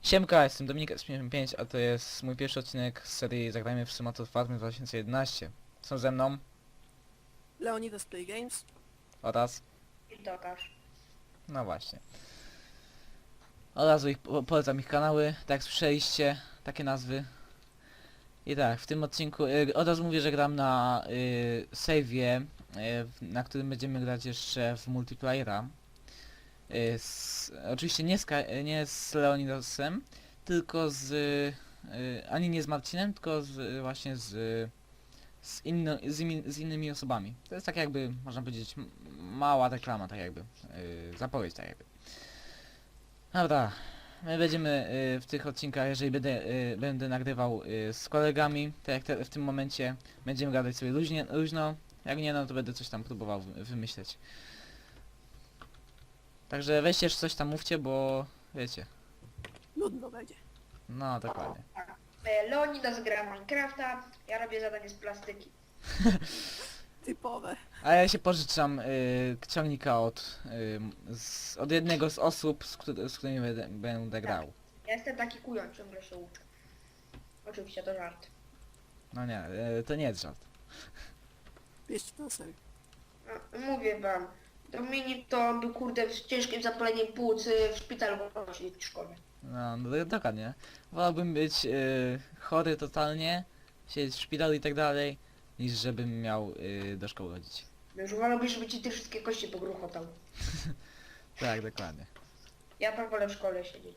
Siemka, jestem Dominik S55, a to jest mój pierwszy odcinek z serii Zagrajmy w Symulator Farmy 2011. Są ze mną Leonidas Play Games. oraz... I Tokarz. no właśnie. Od razu polecam ich kanały, tak jak słyszeliście, takie nazwy. I tak, w tym odcinku od razu mówię, że gram na save'ie, na którym będziemy grać jeszcze w multiplayera. Oczywiście nie z Leonidasem, tylko ani nie z Marcinem, tylko właśnie z innymi osobami. To jest tak jakby, można powiedzieć, mała reklama, tak jakby, zapowiedź, tak jakby. Dobra, my będziemy w tych odcinkach, jeżeli będę nagrywał z kolegami, tak jak w tym momencie, będziemy gadać sobie luźno, jak nie, no to będę coś tam próbował wymyśleć. Także weźcie jeszcze coś tam mówcie, bo wiecie. Nudno będzie. No, dokładnie. Leonidas gra Minecrafta, ja robię zadanie z plastyki. Typowe. A ja się pożyczam ciągnika od jednego z osób, z którymi będę grał. Ja jestem taki kujon, ciągle się uczę. Oczywiście to żart. No nie, to nie jest żart. Bierzcie to na serio. No, mówię wam, Dominik to był kurde z ciężkim zapaleniem płuc w szpitalu w szkole. No, dokładnie. Wolałbym być chory totalnie, siedzieć w szpitalu i tak dalej, niż żebym miał do szkoły chodzić. Już wolałbyś, żeby ci te wszystkie kości pogruchotał. Tak, dokładnie. Ja tam wolę w szkole siedzieć.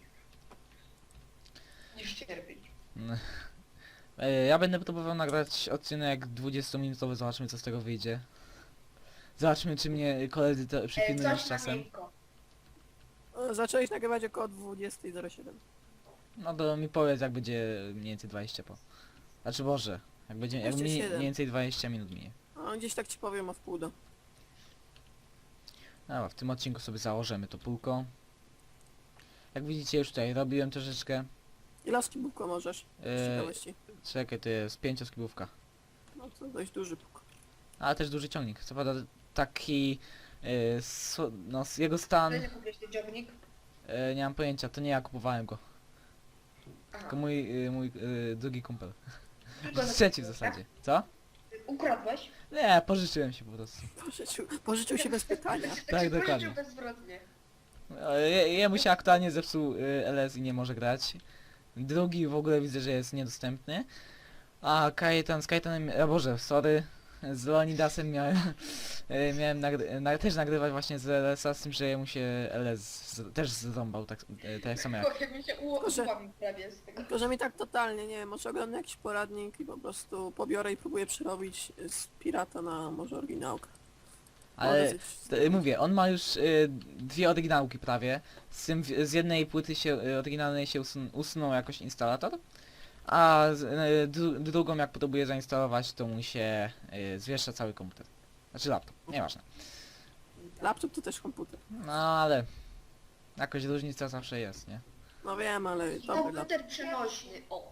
Niż cierpieć. No. Ja będę próbował nagrać odcinek 20-minutowy, zobaczymy co z tego wyjdzie. Zobaczmy czy mnie koledzy to przypilnują z Coś na czasem. miękko. Zacząłeś nagrywać około 20:07. No to mi powiedz jak będzie mniej więcej 20 po. Znaczy Boże, jak mniej 27. więcej 20 minut minie. A gdzieś tak ci powiem o wpół do. Dobra, w tym odcinku sobie założymy to półko. Jak widzicie już tutaj robiłem troszeczkę. Ile skibówko możesz? Z ciekawości. Czekaj, to jest 5-skibówka. No to dość duży puk. Ale też duży ciągnik. Co prawda taki... no jego stan... Kiedy kupiłeś ten ciągnik? nie mam pojęcia, to nie ja kupowałem go. Aha. Tylko mój drugi kumpel. Tylko za- Trzeci w zasadzie. Co? Ukradłeś? Nie, pożyczyłem się po prostu. Pożyczył się bez pytania. Tak, Ci dokładnie. pożyczył bezwzględnie. Jemu się aktualnie zepsuł LS i nie może grać. Drugi w ogóle widzę, że jest niedostępny. A z Kajetanem, Boże, sorry. Z Leonidasem miałem też nagrywać właśnie z LS-a, z tym, że mu się LS też zrąbał, tak samo jak... Jak mi się Proszę. ułamie prawie z tego. Tylko, że mi tak totalnie, nie wiem, może oglądam jakiś poradnik i po prostu pobiorę i próbuję przerobić z pirata na może oryginałkę. Ale mówię, on ma już dwie oryginałki prawie. Z jednej płyty oryginalnej się usunął jakoś instalator, a drugą jak próbuje zainstalować, to mu się zwieszcza cały komputer. Znaczy laptop, nieważne. Laptop to też komputer. No ale jakoś różnica zawsze jest, nie? No wiem, ale dobry laptop. Komputer przenośny, o.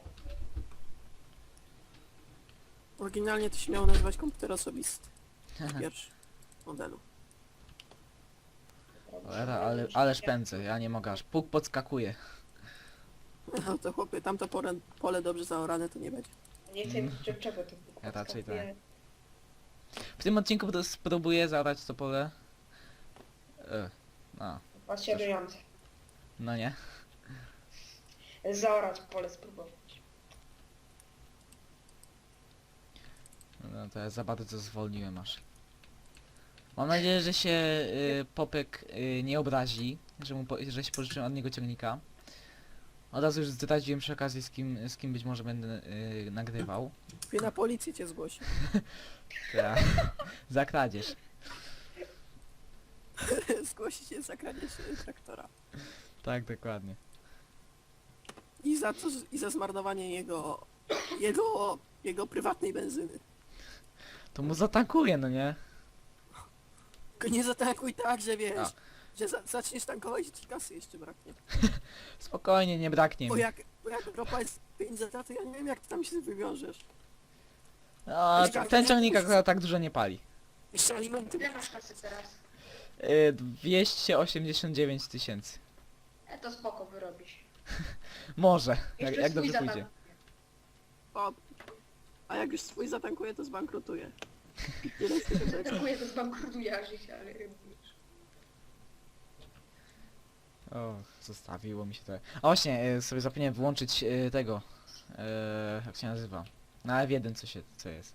Oryginalnie to się miało nazywać komputer osobisty. Pierwszy modelu. Cholera, ależ pędzę, ja nie mogę, aż puk podskakuje. No to chłopie, tamto pole dobrze zaorane to nie będzie. Nie wiem czego to Ja raczej tak. W tym odcinku spróbuję zaorać to pole. No, Fascynujące. no nie. Zaorać pole spróbować. No to ja za bardzo zwolniłem aż. Mam nadzieję, że się Popek nie obrazi, że się pożyczyłem od niego ciągnika. Od razu już zdradziłem przy okazji z kim być może będę nagrywał. Chłopie, na policję cię zgłosi. Tak. Za kradzież. Zgłosi cię za kradzież traktora. Tak, dokładnie. I za zmarnowanie jego prywatnej benzyny. To mu zatankuję, no nie? Tylko nie zatankuj tak, że wiesz, A. że zaczniesz tankować i ci kasy jeszcze braknie. Spokojnie, nie braknie Bo mi. jak ropa jest 5 za to ja nie wiem jak ty tam się wywiążesz. No, ten ciągnik akurat tak dużo nie pali. Jeszcze alimenty. Ile masz kasy teraz? 289 000. To spoko wyrobisz. Może, Jeszcze jak swój dobrze zatank. pójdzie. O. A jak już swój zatankuje, to zbankrutuje. Tyle z tego rzeczy. Dziękuję, to zbankrutuje życie, ale wiesz. O, zostawiło mi się to. A właśnie, sobie zapomniałem wyłączyć tego. Jak się nazywa? Na F1 co jest.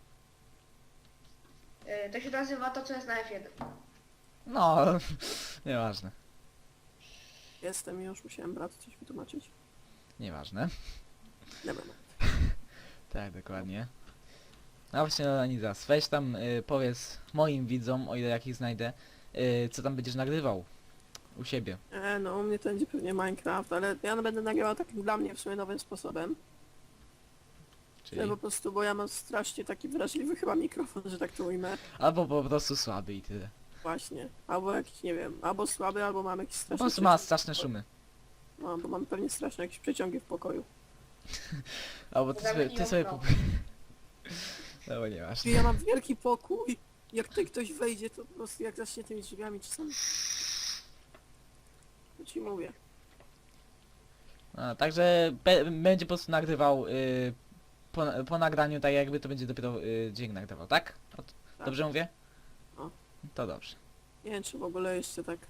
To się nazywa to, co jest na F1. No, nieważne. Jestem już, musiałem bratu coś wytłumaczyć. Nieważne. Dobra. Tak, dokładnie. A właśnie, Leonidas, weź tam powiedz moim widzom, o ile jakich znajdę, co tam będziesz nagrywał u siebie. No u mnie to będzie pewnie Minecraft, ale ja będę nagrywał takim dla mnie w sumie nowym sposobem. Czyli... Po prostu, bo ja mam strasznie taki wrażliwy chyba mikrofon, że tak to ujmę. Albo po prostu słaby i tyle. Właśnie. Albo jakiś, nie wiem, albo słaby, albo mam jakiś Po straszny prostu ma przeciąg. straszne szumy. No, bo mam pewnie straszne jakieś przeciągi w pokoju. Albo ty Zamknij sobie okno. No bo I nieważne. ja mam wielki pokój, jak tutaj ktoś wejdzie, to po prostu jak zacznie tymi drzwiami czasami... To ci mówię. A, także będzie po prostu nagrywał po nagraniu, tak jakby to będzie dopiero dźwięk nagrywał, tak? Tak. Dobrze mówię? No. To dobrze. Nie wiem, czy w ogóle jeszcze tak...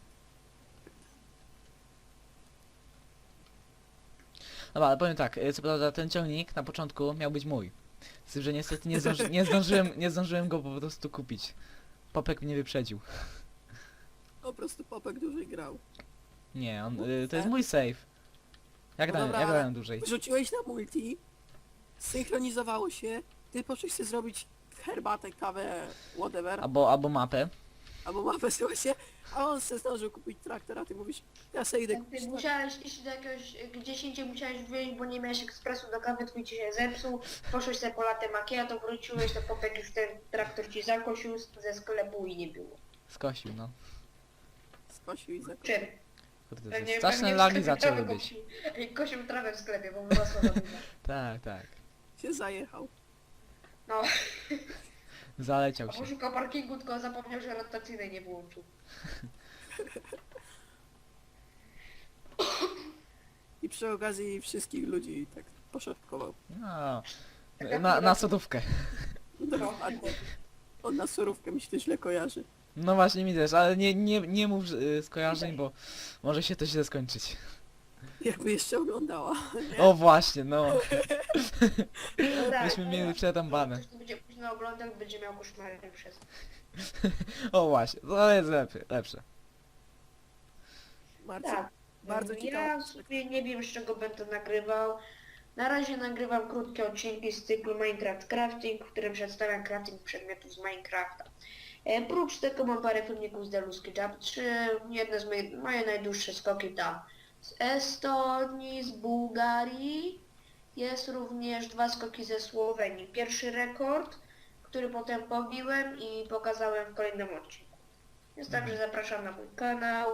Dobra, ale powiem tak, co prawda ten ciągnik na początku miał być mój. Z tym, że niestety nie zdążyłem go po prostu kupić. Popek mnie wyprzedził. Po prostu Popek dłużej grał. Nie, to jest mój save. Jak No grałem, dobra, jak ale- grałem dłużej? Wrzuciłeś na multi, synchronizowało się, ty poszłeś sobie zrobić herbatę, kawę, whatever, Albo mapę. albo mapę się, a on se zdążył kupić traktor, a ty mówisz, ja se idę Jak kupić ty traktor. musiałeś iść do jakiegoś, gdzieś indziej musiałeś wyjść, bo nie miałeś ekspresu do kawy, twój ci się zepsuł, poszłeś sobie po latte macchiato, wróciłeś, to Popek już ten traktor ci zakosił ze sklepu i nie było. Skosił, no. Skosił i zakończył. Czym? Kurde, Pewnie- straszne pewnie w lagi sklepie zaczęły trawę być. kosił. Kosił trawę w sklepie, bo wyrosła za dużo. Tak, tak. Się zajechał. No, Zaleciał a się. poszukał parkingu, tylko zapomniał, że rotacyjnej nie włączył. I przy okazji wszystkich ludzi tak poszatkował. No. Taka Na chwila- sodówkę. Dokładnie. On na surówkę mi się to źle kojarzy. No właśnie mi też, ale nie mów skojarzeń, bo może się to źle skończyć. Jakby jeszcze oglądała. O właśnie, no. No tak, Myśmy no mieli tak. przetambane. Ktoś to będzie późno oglądał, będzie miał koszmary przez... O właśnie, to jest lepsze. Marcin, Tak. bardzo Ja ciekawe. sobie nie wiem, z czego będę nagrywał. Na razie nagrywam krótkie odcinki z cyklu Minecraft Crafting, w którym przedstawiam crafting przedmiotów z Minecrafta. Prócz tego mam parę filmików z Deluski Jump 3, jedne z moje najdłuższe skoki tam z Estonii, z Bułgarii. Jest również 2 skoki ze Słowenii. Pierwszy rekord, który potem pobiłem i pokazałem w kolejnym odcinku. Więc także zapraszam na mój kanał.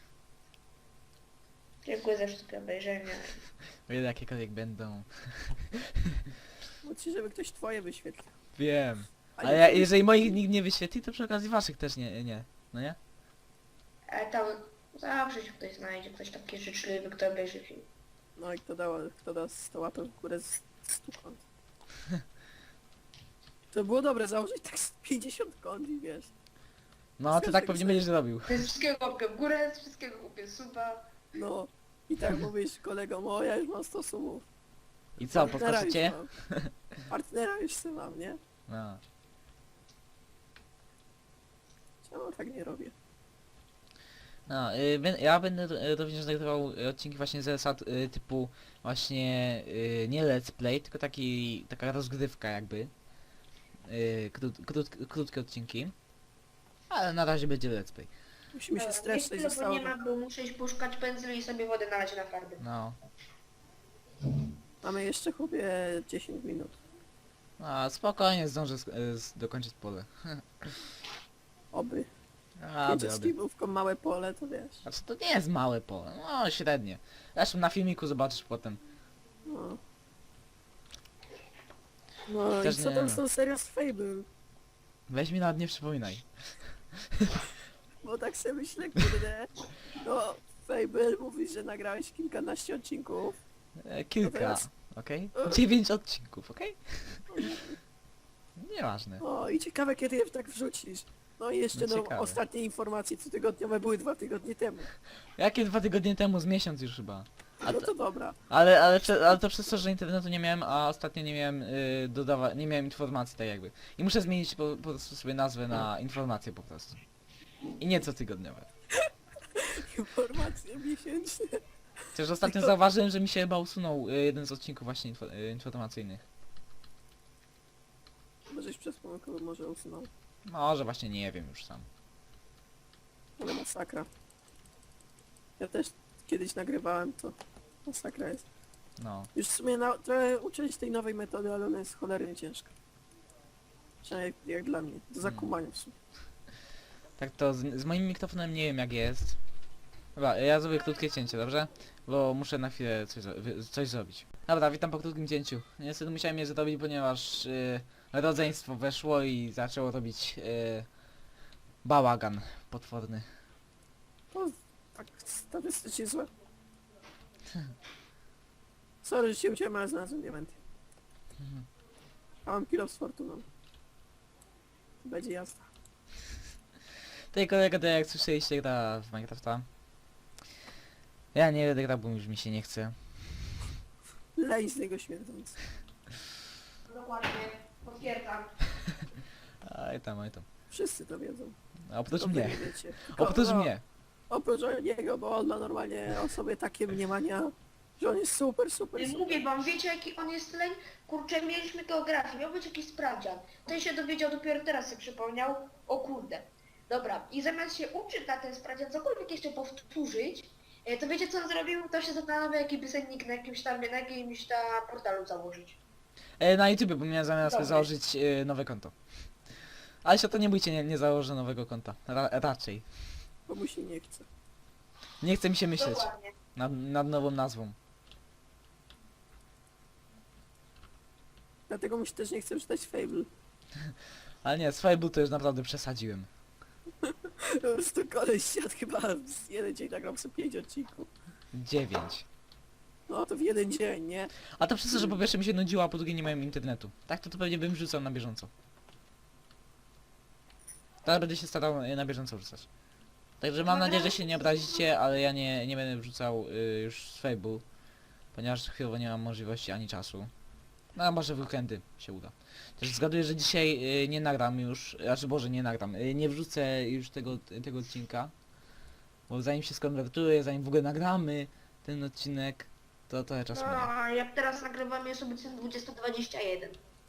Dziękuję za wszystkie obejrzenia. O ile jakiekolwiek będą. Chodźcie, żeby ktoś twoje wyświetlił. Wiem. A Ale nie- jeżeli moich nikt nie wyświetli, to przy okazji waszych też nie. No nie? Tam zawsze się ktoś znajdzie, ktoś taki życzliwy, kto obejrzy film. No i kto da 100 łapek w górę z 100 kont. To było dobre założyć tak z 50 kont i wiesz. No ty tak pewnie będziesz robił. To jest wszystkiego łapkę w górę, z wszystkiego kupię suba. No. I tak mówisz kolegom, o ja już mam 100 sumów. I co, Partnera już podskoczycie? mam. Partnera już sobie mam, nie? No. Czemu tak nie robię? No, ja będę również nagrywał odcinki właśnie z zasad typu właśnie nie let's play, tylko taka rozgrywka jakby. Krótkie odcinki. Ale na razie będzie let's play. Musimy się Dobra, streszczyć, niech chwilę, bo zostało. nie ma, bo muszę iść poszukać pędzli i sobie wodę nalać na farby. No. Mamy jeszcze chłopie 10 minut. A spokojnie zdążę dokończyć pole. Oby. Aby. Jedzie z kibówką małe pole, to wiesz. Znaczy to nie jest małe pole, no średnie. Zresztą na filmiku zobaczysz potem. No. No Też i co nie tam wiem. są serio z Fable? Weź mi nawet nie przypominaj. Bo tak sobie myślę, kurde. No, Fable mówi, że nagrałeś kilkanaście odcinków. Kilka, teraz- okej? 9 odcinków, okej? Nieważne. O, i ciekawe kiedy je tak wrzucisz. No i jeszcze No no, ciekawe. ostatnie informacje cotygodniowe były 2 tygodnie temu. Jakie 2 tygodnie temu, z miesiąc już chyba. A No to dobra. ale to przez to, że internetu nie miałem, a ostatnio nie miałem nie miałem informacji tak jakby. I muszę zmienić po prostu sobie nazwę na informacje po prostu. I nie cotygodniowe. Informacje miesięczne. Chociaż ostatnio zauważyłem, że mi się chyba usunął jeden z odcinków właśnie informacyjnych. Możeś przez pomyłkę może usunął. Może właśnie nie wiem już sam. Ale masakra. Ja też kiedyś nagrywałem to. Masakra jest. No. Już w sumie trochę uczyć tej nowej metody, ale ona jest cholernie ciężka. Przynajmniej jak dla mnie. Do zakumania w sumie. Tak to z moim mikrofonem nie wiem jak jest. Dobra, ja zrobię krótkie cięcie, dobrze? Bo muszę na chwilę coś zrobić. Dobra, witam po krótkim cięciu. Niestety musiałem je zrobić, ponieważ rodzeństwo weszło i zaczęło robić bałagan potworny. To tak statystycznie złe. Sorry, że się uciąłem, ale znalazłem diamenty. A mam kilo z fortuną. Będzie jazda. Tej kolega, to jak słyszeliście, gra w Minecrafta. Ja nie będę grał, bo już mi się nie chce. Lej z niego śmierdząc. Dokładnie, potwierdzam. Aj tam, aj tam. Wszyscy to wiedzą. A oprócz To wy mnie. nie wiecie. Tylko, Oprócz no, mnie. Oprócz niego, bo on ma normalnie o sobie takie mniemania, że on jest super, super, super. Mówię wam, wiecie jaki on jest leń? Kurczę, mieliśmy geografię, miał być jakiś sprawdzian. Ten się dowiedział dopiero teraz, sobie przypomniał. O kurde. Dobra, i zamiast się uczyć na ten sprawdzian, cokolwiek jeszcze powtórzyć, to wiecie co on zrobił? To się zastanawia, jaki piosennik na jakimś tam portalu założyć. Na YouTube, bo miałem zamiar sobie Dobry. założyć nowe konto. Ale się to nie bójcie, nie założę nowego konta. Raczej. Bo mu się nie chce. Nie chce mi się myśleć Dokładnie. nad nową nazwą. Dlatego mu się też nie chce czytać Fable. Ale nie, z Fable to już naprawdę przesadziłem. Po prostu koleś siadł chyba z jeden dzień nagrał sobie 5 odcinków. 9. No to w jeden dzień, nie? A to przez to, że po pierwsze mi się nudziło, a po drugie nie miałem internetu. Tak to pewnie bym wrzucał na bieżąco. Teraz będę się starał na bieżąco wrzucać. Także mam nadzieję, że się nie obrazicie, ale ja nie będę wrzucał już z Fable. Ponieważ chwilowo nie mam możliwości ani czasu. No a może w weekendy się uda. Też zgaduję, że dzisiaj nie nagram już, znaczy Boże nie nagram, nie wrzucę już tego odcinka. Bo zanim się skonwertuję, zanim w ogóle nagramy ten odcinek, to trochę czasu No, minie. a jak teraz nagrywam jest obecnie 20:21.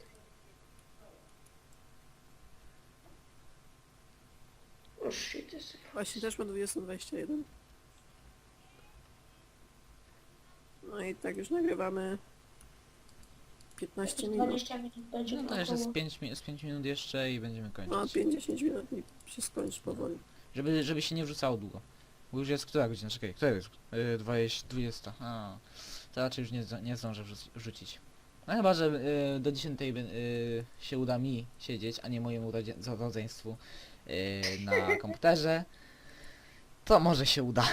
O shit, jest... Właśnie też mam 2021. No i tak już nagrywamy 15 minut. 20 minut będzie No to jeszcze z około. 5 minut jeszcze i będziemy No kończyć. 50 minut i się skończy powoli. Żeby się nie wrzucało długo. Bo już jest która godzina? Czekaj, która jest? 20. A, to raczej już nie zdążę wrzucić. No chyba, że do 10 się uda mi siedzieć, a nie mojemu rodzeństwu na komputerze. To może się uda.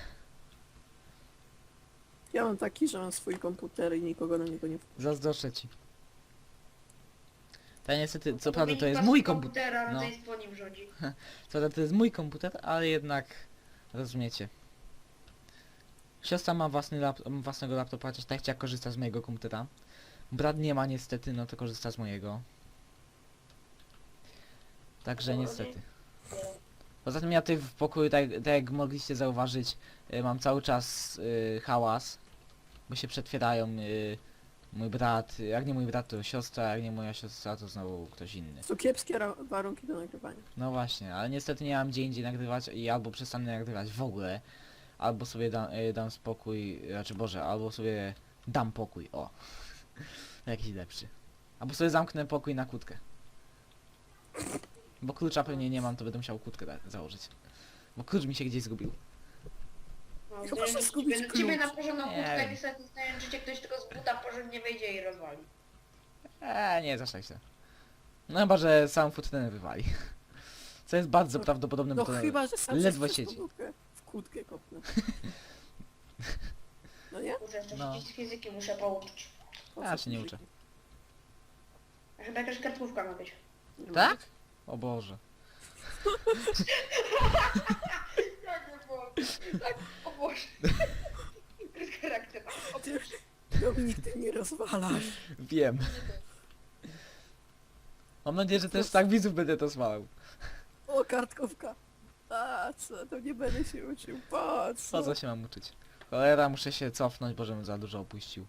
Ja mam taki, że mam swój komputer i nikogo na niego nie wpuszczam. Zazdroszczę ci. To niestety, co Bo prawda to wynika jest z mój komputer. komputera, no. rodzeństwo nim rządzi. Co prawda to jest mój komputer, ale jednak rozumiecie. Siostra ma własnego laptopa, chociaż tak chciała korzysta z mojego komputera. Brat nie ma niestety, no to korzysta z mojego. Także niestety. Poza tym ja tutaj w pokoju, tak jak mogliście zauważyć, mam cały czas hałas. Bo się przetwierają mój brat, jak nie mój brat to siostra, jak nie moja siostra to znowu ktoś inny. To kiepskie warunki do nagrywania. No właśnie, ale niestety nie mam gdzie indziej nagrywać i albo przestanę nagrywać w ogóle, albo sobie dam spokój, znaczy Boże, albo sobie dam pokój, o. Jakiś lepszy. Albo sobie zamknę pokój na kłódkę. Bo klucza pewnie nie mam, to będę musiał kłódkę założyć. Bo klucz mi się gdzieś zgubił. No, Chyba, że zdaje zgubić się, ciebie na klucz. porządną Nie kłódkę wiem. niestety znając życie, ktoś tylko z buta porządnie wejdzie i rozwali. Nie, zaszczaj się. No chyba, że sam futrenę wywali. Co jest bardzo prawdopodobne, No bo to chyba, że sam ledwo przez siedzi. podłogę w kłódkę kopnę. No nie? Muszę jeszcze No. z fizyki muszę pouczyć. Po Ja co się nie fizyki? uczę. A chyba jakaś kartkówka ma być. Nie ma Tak? być. O Boże. Tak, nie było. Tak, o Boże. Charakter. O, Ty, Dominik, ty mnie rozwalasz. Wiem. Mam nadzieję, że też tak widzów będę to smalał. O, kartkówka. A co, to nie będę się uczył. Po Po co? co się mam uczyć? Cholera, muszę się cofnąć, bo żebym za dużo opuścił.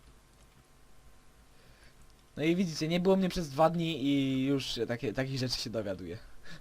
No i widzicie, nie było mnie przez 2 dni i już takich rzeczy się dowiaduję.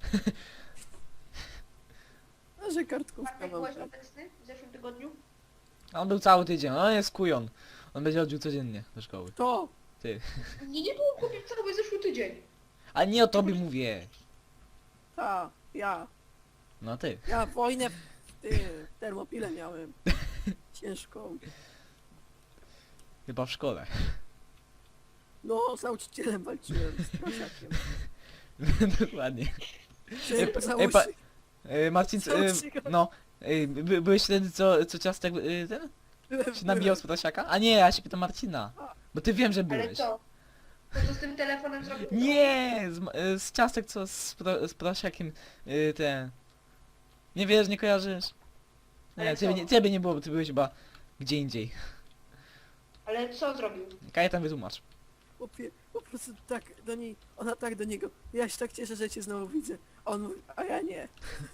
A że kartkówka Bartek, mam. byłeś obecny w zeszłym tygodniu? A on był cały tydzień, on jest kujon. On będzie chodził codziennie do szkoły. To! Nie było kupić cały zeszły tydzień. A nie o tobie mówię. Ta, ja. No ty. Ja wojnę w Termopile miałem. Ciężką. Chyba w szkole. No, z nauczycielem walczyłem, z prosiakiem. Dokładnie. Czy pa- załóż... pa- Marcin, Załóż go. no. Byłeś wtedy, co ciastek ten? byłem, Się nabijał z prosiaka? A nie, ja się pytam Marcina. Bo ty wiem, że Ale byłeś. co? Co z tym telefonem zrobił? Nie! Z ciastek co z prosiakiem ten. Nie wiesz, nie kojarzysz? Nie, Ale ciebie co? nie, ciebie nie było, bo ty byłeś chyba gdzie indziej. Ale co zrobił? Kajetan wytłumacz. Chłopie, po prostu tak do niej, ona tak do niego. Ja się tak cieszę, że cię znowu widzę. A on mówi, a ja nie.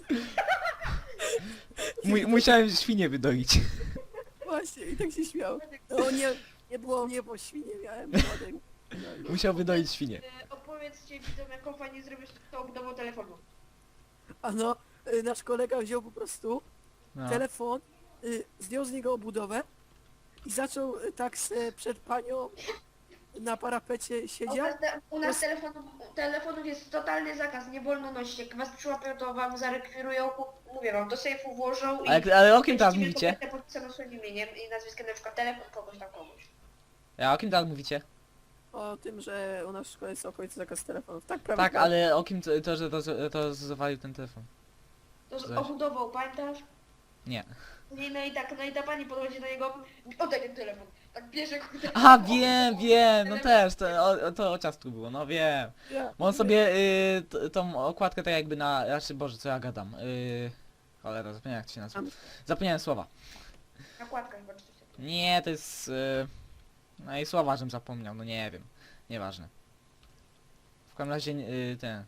Musiałem świnię wydoić. Właśnie, i tak się śmiał. No nie było mnie, bo świnie miałem młodej. No, Musiał wydoić świnię. Opowiedzcie widzom, jaką fajnie zrobisz tą obudową telefonu. a no, nasz kolega wziął po prostu No. telefon, zdjął z niego obudowę i zaczął tak se przed panią na parapecie siedział. U nas telefonów jest totalny zakaz, nie wolno nosić. Jak was przyłapią, to wam zarekwirują, mówię wam, do sejfu włożą i... Ale o kim teraz będziecie mieli mówicie? kopertę podpisaną swoim imieniem i nazwiskiem, na przykład telefon kogoś tam kogoś. A o kim teraz mówicie? O tym, że u nas w szkole jest okolicy zakaz telefonów. Tak, prawda? Tak, ale o kim to, że to zawalił ten telefon? To z Zaś. obudową, pamiętasz? Nie. No i ta pani podchodzi do niego, oddaj ten telefon. Tak bierze kurde. Aha, wiem, no też, to o ciastku było, no wiem. Ja, Bo on sobie tą okładkę tak jakby na... Znaczy, Boże, co ja gadam? Cholera, zapomniałem jak to się nazywa. Zapomniałem słowa. Nakładka chyba czy coś takiego. Nie, to jest... no i słowa, żem zapomniał, no nie wiem. Nieważne. W każdym razie ten...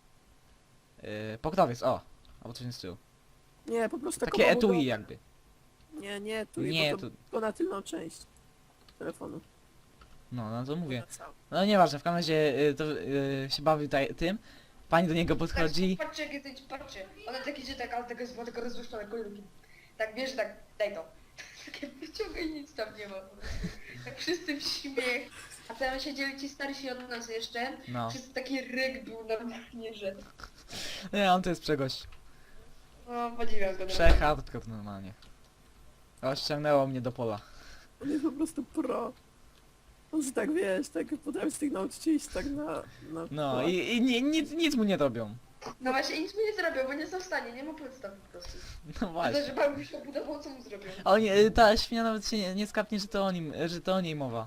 pokrowiec, o! Albo coś z tyłu. Nie, po prostu taką Takie obudowę. etui jakby. Nie, etui, Nie, bo to na tylną część telefonu. No to mówię. Na całą. No nieważne, w każdym razie to się bawi tym. Pani do niego podchodzi. Tak, patrzcie, jak jesteś, patrzcie. Ona tak idzie tak, ale tego rozluszczone kolorki. Tak bierze, tak, daj to. Takie wyciągaj, nic tam nie ma po prostu. Tak wszyscy w śmiech. A tam siedzieli ci starsi od nas jeszcze. No. Wszyscy taki ryk był normalnie, że... Nie, on to jest przegość. No, podziwiam go. Hardcore normalnie. O, ściągnęło mnie do pola. On jest po prostu pro. On się tak, wiesz, tak potrafi z tych nauczycieli się tak na No płat. i nic mu nie robią. No właśnie, nic mu nie zrobią, bo nie są w stanie, nie ma podstaw po prostu. No A właśnie. to, że bawił się obudową, co mu zrobią? A oni, ta świnia nawet się nie skapnie, że to o niej mowa.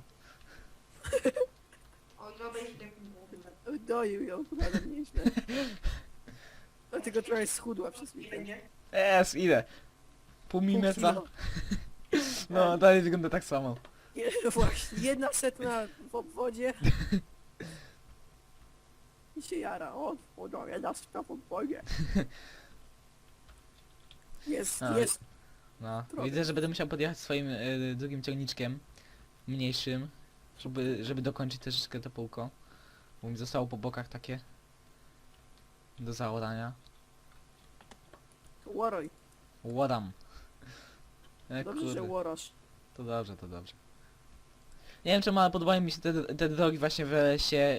On obejrzy tak mówił. Doił ją nawet nieźle. Dlatego trochę schudła przez I weekend. będzie. Ile? Pół Pół milimetra? kilo. No, dalej wygląda tak samo. Nie, właśnie, 1/100 w obwodzie. I się jara. O, no, 1/100 w obwodzie. Jest, A, jest. No, Trochę. widzę, że będę musiał podjechać swoim drugim ciągniczkiem. Mniejszym. Żeby dokończyć troszeczkę to półko. Bo mi zostało po bokach takie. Do zaorania. Łoroj. Ładam. Dobrze, że łorasz. To dobrze, to dobrze. Nie wiem czemu, ale podobają mi się te drogi właśnie w lesie.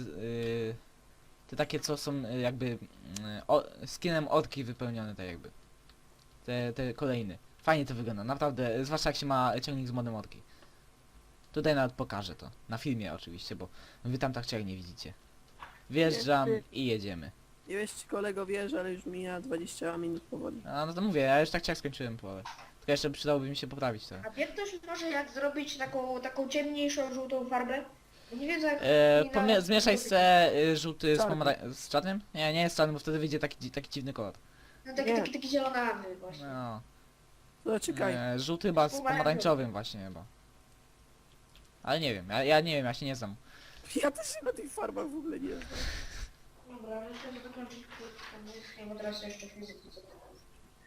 Te takie co są jakby skinem orki wypełnione tak jakby. Te kolejne. Fajnie to wygląda, naprawdę, zwłaszcza jak się ma ciągnik z modem orki. Tutaj nawet pokażę to. Na filmie oczywiście, bo wy tam tak ciągnie widzicie. Wjeżdżam i jedziemy. Nie wiesz, czy kolego wiesz, ale już mija 20 minut powoli. A no to mówię, ja już tak skończyłem połowę. Tylko jeszcze przydałoby mi się poprawić to. A wie ktoś może jak zrobić taką ciemniejszą, żółtą farbę? Nie wiem jak... Zmieszaj se żółty z, Czarny. z czarnym? Nie, nie jest czarny, bo wtedy wyjdzie taki dziwny kolor. No Nie. taki zielonawy właśnie. No. No czekaj. Żółty chyba z Pomarańczowy. pomarańczowym właśnie chyba. Ale nie wiem, ja nie wiem, ja się nie znam. Ja też się na tych farbach w ogóle nie znam. Dobra, ale chcę dokończyć krótko, bo teraz jeszcze fizyki co to jest.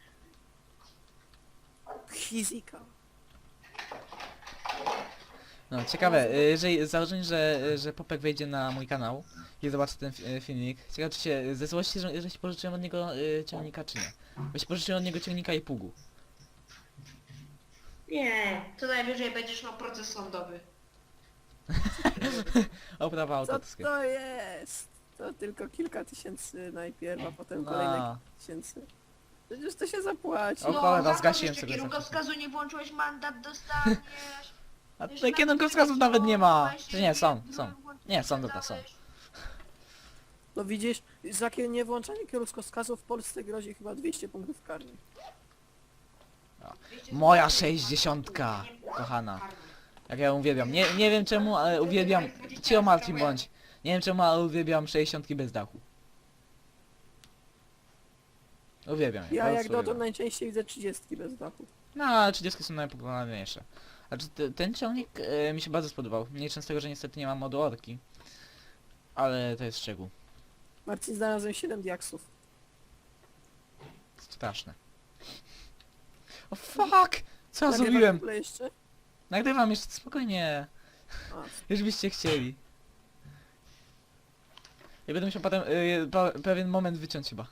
Fizyka. No ciekawe, jeżeli założę, że Popek wejdzie na mój kanał i zobaczy ten filmik, ciekawe czy się ze złości, że się pożyczyłem od niego ciągnika czy nie. Bo się pożyczyłem od niego ciągnika i pługu. Nie, to najwyżej będziesz miał proces sądowy. Oprawa Co autorskie. to jest? To tylko kilka tysięcy najpierw, a potem kolejne No. kilka tysięcy. Przecież to się zapłaci. O cholera, za to zgasiłem jeszcze sobie kierunkowskazu nie włączyłeś, mandat dostaniesz. A Jeszcze tutaj na kierunkowskazów nawet nie ma. właśnie Czy nie, są. włączyłeś, Nie, są dobra, są. dałeś. No widzisz, za niewłączanie kierunkowskazu w Polsce grozi chyba 200 punktów karnych. Moja 60, kochana. Jak ja ją uwielbiam. Nie wiem czemu, ale uwielbiam... Cio Marcin bądź. Nie wiem czemu, ale uwielbiam 60 bez dachu. Uwielbiam je, Ja po jak prostu dotąd uwielbiam. najczęściej widzę 30 bez dachu. No, ale 30 są najpopularniejsze. Znaczy, ten ciągnik mi się bardzo spodobał. Nie z tego, że niestety nie ma modu orki. Ale to jest szczegół. Marcin, znalazłem 7 diaksów. Straszne. O fuck! Co ja Nagrywasz zrobiłem? w ogóle jeszcze? Nagrywam jeszcze, spokojnie. A, Już byście chcieli. Ja będę musiał potem pewien moment wyciąć chyba.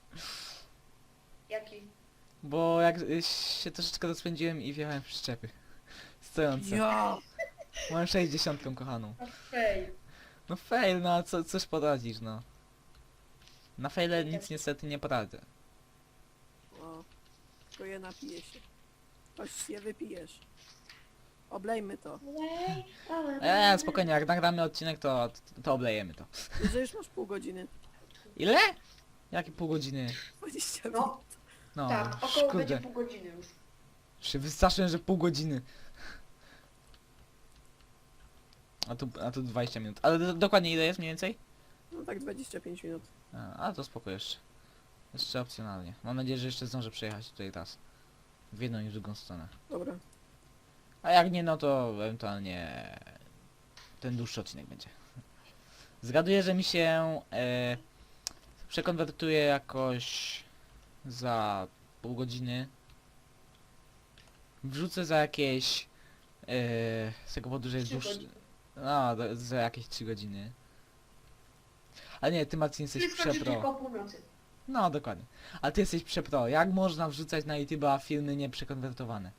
Jaki? Bo jak się troszeczkę rozpędziłem i wjechałem w przyczepy. Stojące. ja! Mam 60 kochaną. Fail. No fail, no a coś poradzisz, no. Na faile nic niestety nie poradzę. O, tylko je napije się. Choć je wypijesz. Oblejmy to. Spokojnie, jak nagramy odcinek to oblejemy to. Że już masz pół godziny. Ile? Jakie pół godziny? 20 minut. No, No, tak, około będzie kurde. pół godziny już. Się wystraszyłem, że pół godziny. A tu 20 minut. Ale dokładnie ile jest mniej więcej? No tak 25 minut. A to spoko jeszcze. Jeszcze opcjonalnie. Mam nadzieję, że jeszcze zdążę przejechać tutaj raz. W jedną i w drugą stronę. Dobra. A jak nie, no to ewentualnie ten dłuższy odcinek będzie. Zgaduję, że mi się przekonwertuje jakoś za pół godziny. Wrzucę za jakieś z tego powodu, że jest 3 dłuższy. godziny. No, za jakieś 3 godziny. Ale nie, ty Marcin jesteś Czyli skończy przepro. tylko o północy. No, dokładnie. A ty jesteś przepro. Jak można wrzucać na YouTube'a filmy nieprzekonwertowane?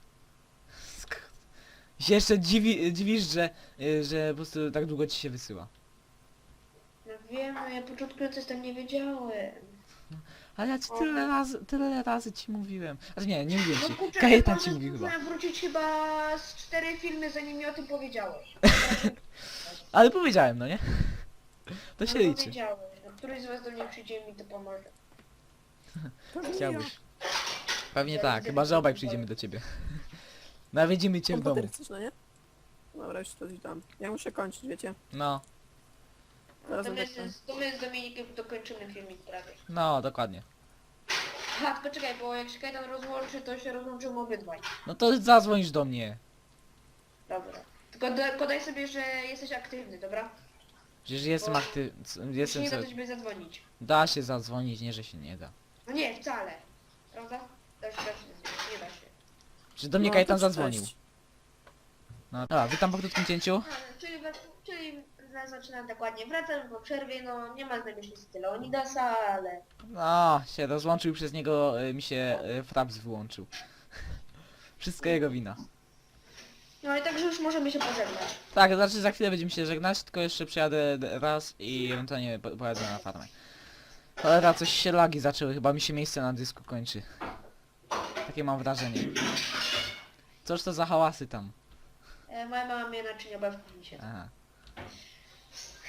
Się jeszcze dziwisz, że po prostu tak długo ci się wysyła. No wiem, no ja początkując tam nie wiedziałem. Ale ja ci tyle razy ci mówiłem. Znaczy nie mówiłem No ci. kurczę, Kajetan ja ci mówił chyba. muszę wrócić chyba z 4 filmy, zanim mi o tym powiedziałeś. Ale powiedziałem, no nie? To się No liczy. powiedziałeś, no któryś z was do mnie przyjdzie i mi to pomoże. Pewnie Chciałbyś. Pewnie Ja tak, widzę, chyba że że obaj to przyjdziemy do ciebie. Nawiedzimy cię w domu. Komputer chcesz, no nie? Dobra, już to dam. Ja muszę kończyć, wiecie? No, Teraz To my, tak to my z Dominikiem dokończymy filmik prawie. no, dokładnie. Aha, tylko czekaj, bo jak się Kajtan rozłączy, to się rozłączymy obydwaj. No to zadzwonisz do mnie. Dobra. Tylko podaj sobie, że jesteś aktywny, dobra? Przecież jestem Bo- aktywny. Jeśli Jestem nie da co... do ciebie zadzwonić. Da się zadzwonić, nie że się nie da. No nie, wcale. Prawda? Da się zadzwonić, nie da się. Czy do mnie No, Kajetan to zadzwonił. cześć. No, dobra, witam po krótkim cięciu. No, czyli zaczynam dokładnie. Wracam po przerwie, no nie ma z nami nic tyle Onidasa, ale... No, się rozłączył i przez niego mi się fraps wyłączył. Wszystko jego wina. No i także już możemy się pożegnać. Tak, znaczy za chwilę będziemy się żegnać, tylko jeszcze przyjadę raz i ewentualnie pojadę na farmę. Cholera, coś się lagi zaczęły, chyba mi się miejsce na dysku kończy. Takie mam wrażenie. Cóż to za hałasy tam? Moja mama mnie naczynia babki mi się. Aha.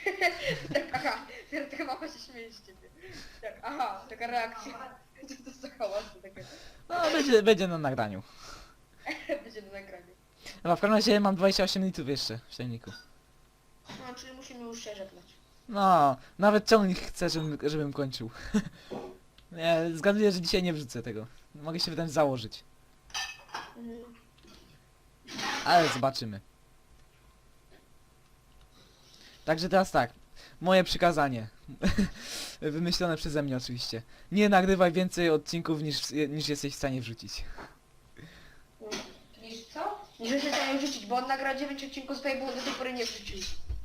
Tak, aha, taka mama się śmieje z ciebie. Tak, aha, taka reakcja. Co to za hałasy takie? No, będzie na nagraniu. Będzie na nagraniu. Dobra, w każdym razie mam 28 litrów jeszcze w silniku. No, czyli musimy już się żegnać. No, nawet ciągnik chce, żebym kończył. Nie, zgaduję, że dzisiaj nie wrzucę tego. Mogę się wręcz założyć. Mhm. Ale zobaczymy. Także teraz tak. Moje przykazanie. Wymyślone przeze mnie oczywiście. Nie nagrywaj więcej odcinków niż jesteś w stanie wrzucić. Niż co? Niż się chciałem wrzucić, bo on nagrał 9 odcinków swojej, bo do tej pory nie wrzucił.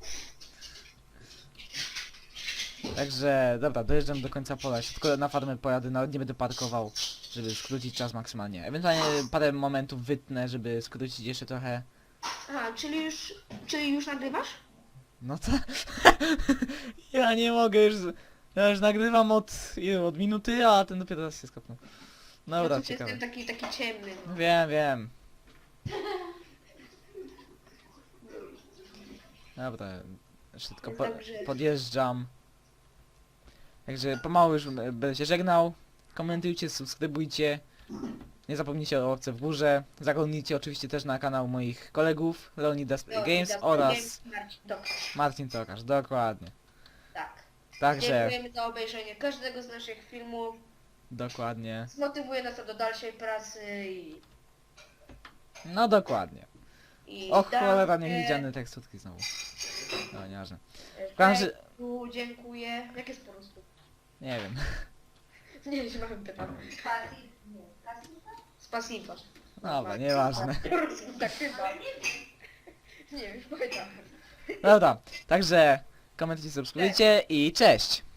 Także, dobra, dojeżdżam do końca pola. Jeszcze tylko na farmę pojadę, nawet nie będę parkował, żeby skrócić czas maksymalnie. Ewentualnie parę momentów wytnę, żeby skrócić jeszcze trochę. Aha, czyli już nagrywasz? No to... ja nie mogę już... Ja już nagrywam od minuty, a ten dopiero teraz się skopnął. Dobra, Ja tu ciekawe. jestem taki ciemny. No. Wiem. Dobra, jeszcze tylko Także- podjeżdżam. Także pomału już będę się żegnał. Komentujcie, subskrybujcie. Nie zapomnijcie o łapce w górze. Zaglądnijcie oczywiście też na kanał moich kolegów Leonidas Games oraz Marcin Tokarz. Dokładnie. Tak. Także, Dziękujemy za obejrzenie każdego z naszych filmów. dokładnie. Zmotywuje nas to do dalszej pracy No dokładnie. i Och, cholera, dankę. niewidziane teksturki znowu. No, nieważne. każdym razie- Efektu, dziękuję. Jak jest po prostu? Nie wiem. Nie wiem, mam pytam. Z pasiva. Dobra, nieważne. Po prostu tak chyba. Nie wiem, już powiedziałem. Dobra, także komentujcie, subskrybujcie i cześć!